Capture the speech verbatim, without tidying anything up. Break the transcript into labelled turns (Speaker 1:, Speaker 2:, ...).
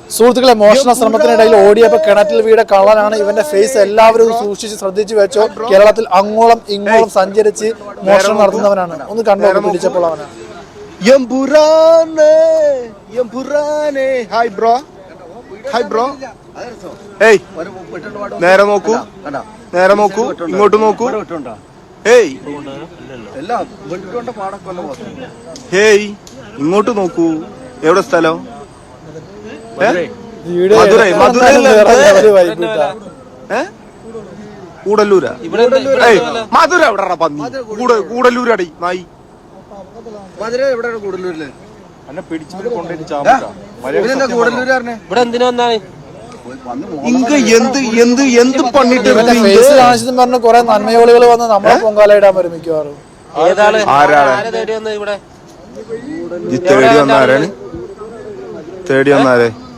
Speaker 1: സുഹൃത്തുക്കളെ, മോഷണ ശ്രമത്തിനിടയിൽ ഓടിയപ്പോൾ കിണറ്റിൽ വീട് കള്ളനാണ്. ഇവന്റെ ഫേസ് എല്ലാവരും സൂക്ഷിച്ച് ശ്രദ്ധിച്ചു വെച്ചോ. കേരളത്തിൽ അങ്ങോളം ഇങ്ങോളം സഞ്ചരിച്ച് മോഷണം നടത്തുന്നവനാണ്. ഒന്ന് കണ്ടോ പിടിച്ചപ്പോൾ അവനാണ്.
Speaker 2: Hi bro, hi bro. ഏയ് നേരെ നോക്കൂ, നേരെ നോക്കൂ, ഇങ്ങോട്ട് നോക്കൂ. ഹേയ് ഹേയ് ഇങ്ങോട്ട് നോക്കൂ. എവിടെ സ്ഥലം? മധുരൈ. കൂടല്ലൂരാ? മധുര എവിടെ പന്നി? കൂടല്ലൂരടി നായി. മധുര എവിടെ? കൂടല്ലൂരില് എന്നെ പിടിച്ചിട്ട് കൊണ്ടുപോയി ഇവിടെ എന്തിനാ വന്നാണ്? ഇങ്ക എന്ത് എന്ത് എന്ത് പണിട്ട്
Speaker 1: പറഞ്ഞ കുറെ നന്മയോളികൾ വന്ന് നമ്മളെ പൊങ്കാലയിടാൻ വരും മിക്കവാറും.
Speaker 2: ആരാണ് തേടി വന്നാരാണ്? തേടി വന്നാരേ